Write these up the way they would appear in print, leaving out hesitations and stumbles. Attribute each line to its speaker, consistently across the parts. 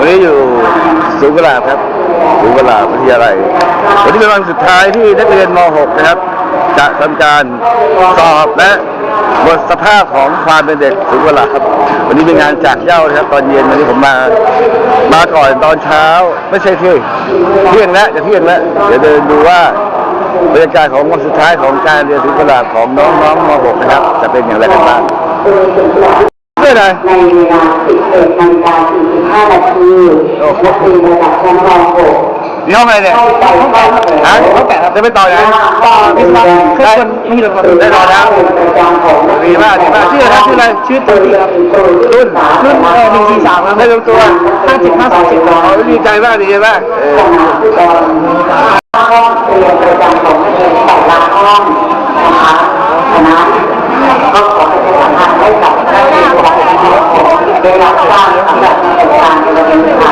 Speaker 1: นี้อยู่ศูนย์กุหลาบครับศูนย์กุหลาบวิทยาลัยวันนี้เป็นวันสุดท้ายที่นักเรียนม .6 นะครับจะทำการสอบและบทสภาพของความเป็นเด็กศูนย์กุหลาบวันนี้เป็นงานจากเหย้านะครับตอนเย็นวันนี้ผมมาก่อนตอนเช้าไม่ใช่เที่ยงแล้วจะเที่ยงแล้วเดี๋ยวเดินดูว่าบรรยากาศของวันสุดท้ายของการเรียนศูนย์กุหลาบของน้องๆม .6 นะครับจะเป็นอย่างไรกันบ้างในเวลา 11:45 นาทีนักเรียนระดับชั้นม .6 นี่ห้องอะไรเนี่ยฮะจะไปต่อไหนต่อวิศวะได้ได้ต่อแล้วดีมากดีมากชื่ออะไรชื่อตัวรุ่น143ครับได้ลงตัว50 ดีใจมากดีใจมากห้องเรียนประจำของนักเรียนแต่ละห้องนะคะคณะก็ขอประชาสัมพันธ์ให้กับนักเรียนได้รับทราบสำหรับการเรียนค่ะ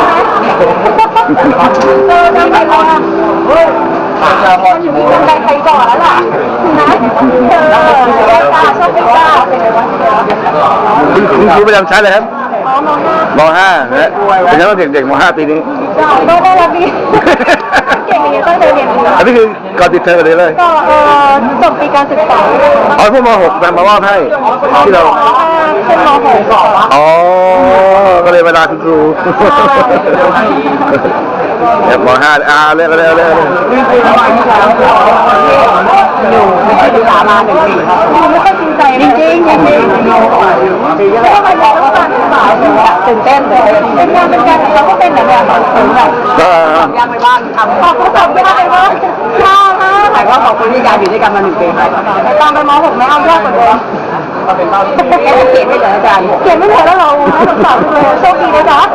Speaker 1: ทำไมล่ะอยู่ที่ใจใครก่อนแล้วล่ะนะตาชอบตาคุณครูประจำชั้นเลยครับม.5 นะเป็นยังไงเด็กๆม.5 ปีนี้ก็ได้รับดีเก่งอย่างนี้ต้องเรียนอันนี้คือก่อนติดเทอมเลยก็จบปีการศึกษาอ๋อพวกม.6 มามอบให้ที่เราขึ้นม.6 อ๋อก็เลยเวลาคุณครูแบบม.5 เร็วอยู่ไม่ได้ศึกษามา1 ปีครับไม่ค่อยจริงใจจริงดีก็เลยต้องมาบอกว่าการศึกษาตื่นเต้นเป็นงานเราก็เป็นแบบถึงแบบยากไปบ้างทำสอบยากไปบ้างยากมากแต่ว่าขอบคุณที่การอยู่ด้วยกันมา1 ปีไปตามไปม.6 ไม่เอายากกว่าเดิมก็เป็นเต้าเขียนไม่เหลืออาจารย์เขียนไม่เหลือแล้วเราสอบเลยโชคดีนะจ๊ะ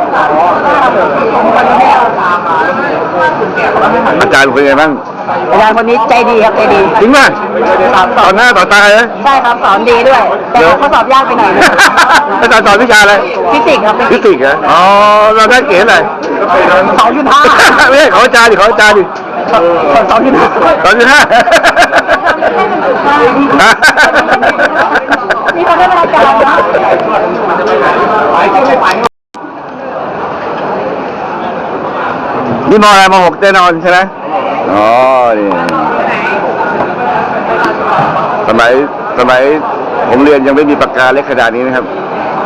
Speaker 1: อาจารย์เป็นไงบ้างอาจารย์คนนี้ใจดีครับใจดีจริงไหมสอนหน้าต่อตาเลยใช่ครับสอนดีด้วยแต่เขาสอบยากไปหน่อยอาจารย์สอนวิชาอะไรฟิสิกส์ครับฟิสิกส์เหรออ๋อเราได้เกรดอะไร2.5ไม่ใช่ขออาจารย์ดิ2.5นี่เขาได้อาจารย์นี่ม.อะไรม.6แน่นอนใช่ไหมอ๋อนี่สมัยผมเรียนยังไม่มีปากกาเล็กขนาดนี้นะครับ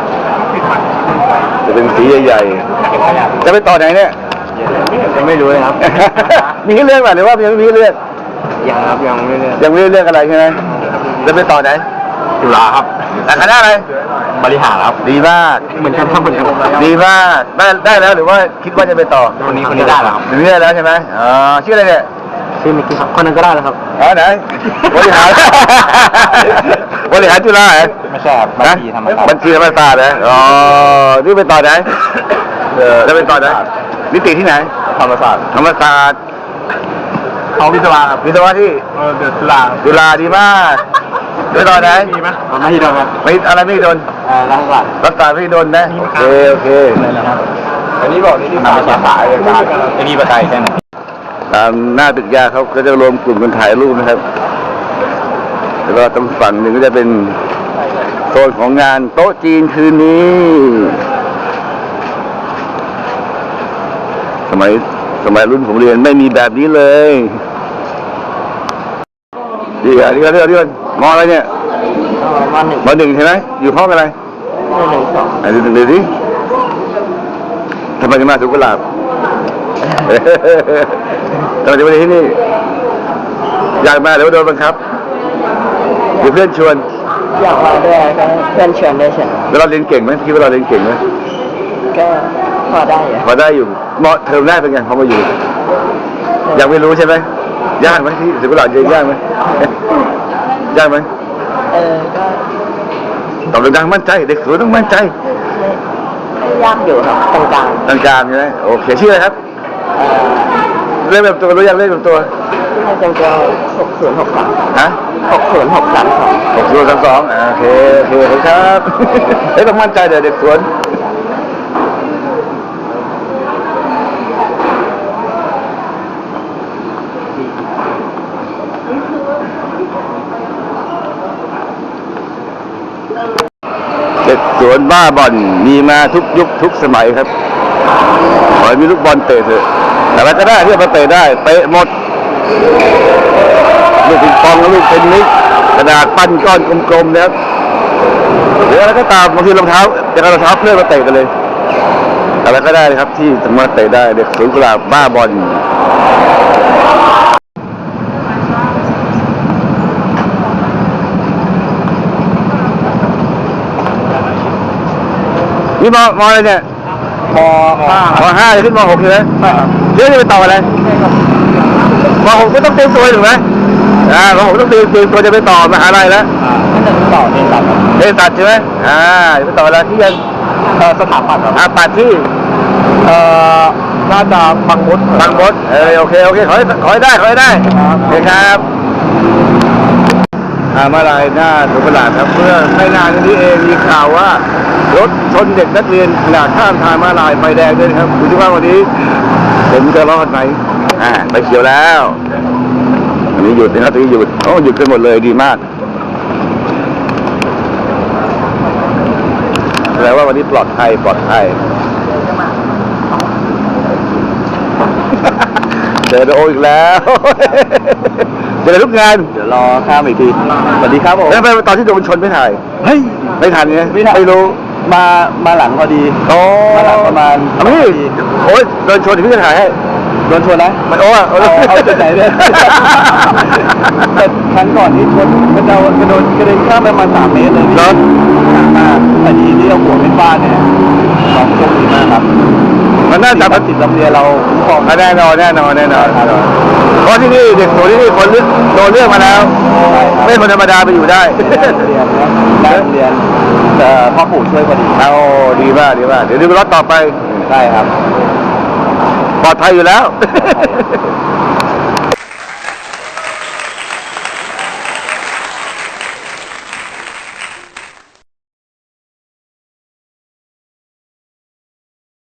Speaker 1: จะเป็นสีใหญ่ๆจะไปต่อไหนเนี่ยยังไม่รู้เลยครับมีเรื่องหรือว่ายังไม่มีเรื่องยังครับยังไม่เรื่องอะไรใช่ไหมจะไปต่อไหนจุฬาครับแต่คณะอะไรบริหารครับดีมากเหมือนกันครับดีมากได้แล้วหรือว่าคิดว่าจะไปต่อคนนี้ได้แล้วครับได้แล้วใช่ไหมอ๋อชื่ออะไรเนี่ยชื่อมิกกี้ครับคนนั้นก็ได้แล้วครับอ๋อไหนบริหารจุฬาเหรอไม่ใช่ครับบัญชีธรรมศาสตร์นะอ๋อนี่ไปต่อไหนจะไปต่อไหนนิติที่ไหนธรรมศาสตร์ของวิศวะครับวิศวะที่จุฬาดีมากไปต่อไหนมีไหมไม่โดนครับไม่อะไรไม่โดนรัฐศาสตร์ไม่โดนนะโอเคอันนี้บอกนี่ภาษาเลยครับอันนี้ภาษาใช่ไหมตามหน้าตึกยาเขาก็จะรวมกลุ่มกันถ่ายรูปนะครับแล้วก็ตรงฝั่งหนึ่งก็จะเป็นโซนของงานโต๊ะจีนคืนนี้สมัยรุ่นผมเรียนไม่มีแบบนี้เลยดีอ่ะดีกันมออะไรเนี่ยม.1ใช่ไหมอยู่ห้องอะไรม.1 2ดูดิทำไมถึงมาสุกุหลาบทำไมถึงมาที่นี่อยากมาหรือว่าโดนบังคับหรือเพื่อนชวนอยากมาด้วยเพื่อนชวนด้วยใช่แล้วเราเรียนเก่งไหมคิดว่าเราเรียนเก่งไหมก็พอได้อยู่เทอมแรกเป็นไงพอมาอยู่ยังไม่รู้ใช่ไหมยากไหมที่สุกุหลาบยากไหมก็ตอบดังมั่นใจเด็กสวยต้องมั่นใจยากอยู่ครับกลางใช่ไหมโอเคชื่ออะไรครับเล่นแบบตัวรู้ยังเล่นแบบตัว6063ฮะ6032โอเคครับต้องมั่นใจเด็กสวนเด็กสวนบ้าบ่อนมีมาทุกยุคทุกสมัยครับขอให้มีลูกบอลเตะเถอะแต่อะไรก็ได้ที่มาเตะได้เตะหมดลูกปิงปองและลูกเทนนิสกระดาษปั้นก้อนกลมๆนะครับหรืออะไรก็ตามบางทีรองเท้าจะเอารองเท้าเพื่อนมาเตะกันเลยอะไรก็ได้เลยครับที่สามารถเตะได้เด็กศูนย์กุหลาบบ้าบอลนี่มอะไรเนี่ยม.5จะขึ้นม.6ใช่ไหมใช่ครับเรื่องนี้ไปต่ออะไรม.6ก็ต้องเตรียมตัวถูกไหมม.6ต้องเตรียมตัวจะไปต่อมหาลัยแล้ว
Speaker 2: ก็จะต่อเรียนตัด
Speaker 1: เรียนตัดใช่ไหมจะไปต่ออะไรที่ยัง
Speaker 2: สถาปัตย์ครับ
Speaker 1: ปัดที่
Speaker 2: น่าจะบางมด
Speaker 1: โอเคขอให้ได้โอเคครับมาลายหน้าสุขลาดครับเมื่อไม่นานนี้เองมีข่าวว่ารถชนเด็กนักเรียนขนาดข้ามทางมาลายไฟแดงด้วยครับดูที่ว่าวันนี้ผมจะรอดไหมไปเขียวแล้วอันนี้หยุดนะครับตอนนี้หยุดหยุดกันหมดเลยดีมากแปลว่าวันนี้ปลอดภัยเจอโออีกแล้วเจอทุกงาน
Speaker 2: เดี๋ยวรอข้ามอีกทีสวัสดีครับผม
Speaker 1: แล้วไปตอนที่โดนชนไม่ถ่ายไม่ทันไงไม่รู้
Speaker 2: มาหลังพอดีมาหลังประมาณ
Speaker 1: พี่โอ้ยโดนชนพี่จะถ่ายให้
Speaker 2: โดนชนนะ
Speaker 1: มัน
Speaker 2: เอาจุดไหนเนี่ยแต่ครั้งก่อนที่ชนกระเด็นข้ามไปประมาณ3 เมตรเลย
Speaker 1: รถ
Speaker 2: มากแต่ดีที่เอาหัวเป็นบ้านเนี่ยน้องโชคดีมากครับ
Speaker 1: มันน่าจะ
Speaker 2: ประสิทธิ์โรงเรียนเรา
Speaker 1: ของแน่นอนเพราะที่นี่เด็กโตที่นี่คนโดนเรื่องมาแล้วไม่คนธรรมดาไปอยู่ได้
Speaker 2: เรียนแต่พ่อปู่ช่วยพอดี
Speaker 1: ดีมากเดี๋ยวดูรถต่อไป
Speaker 2: ใช่ครับ
Speaker 1: ปลอดภัยอยู่แล้ว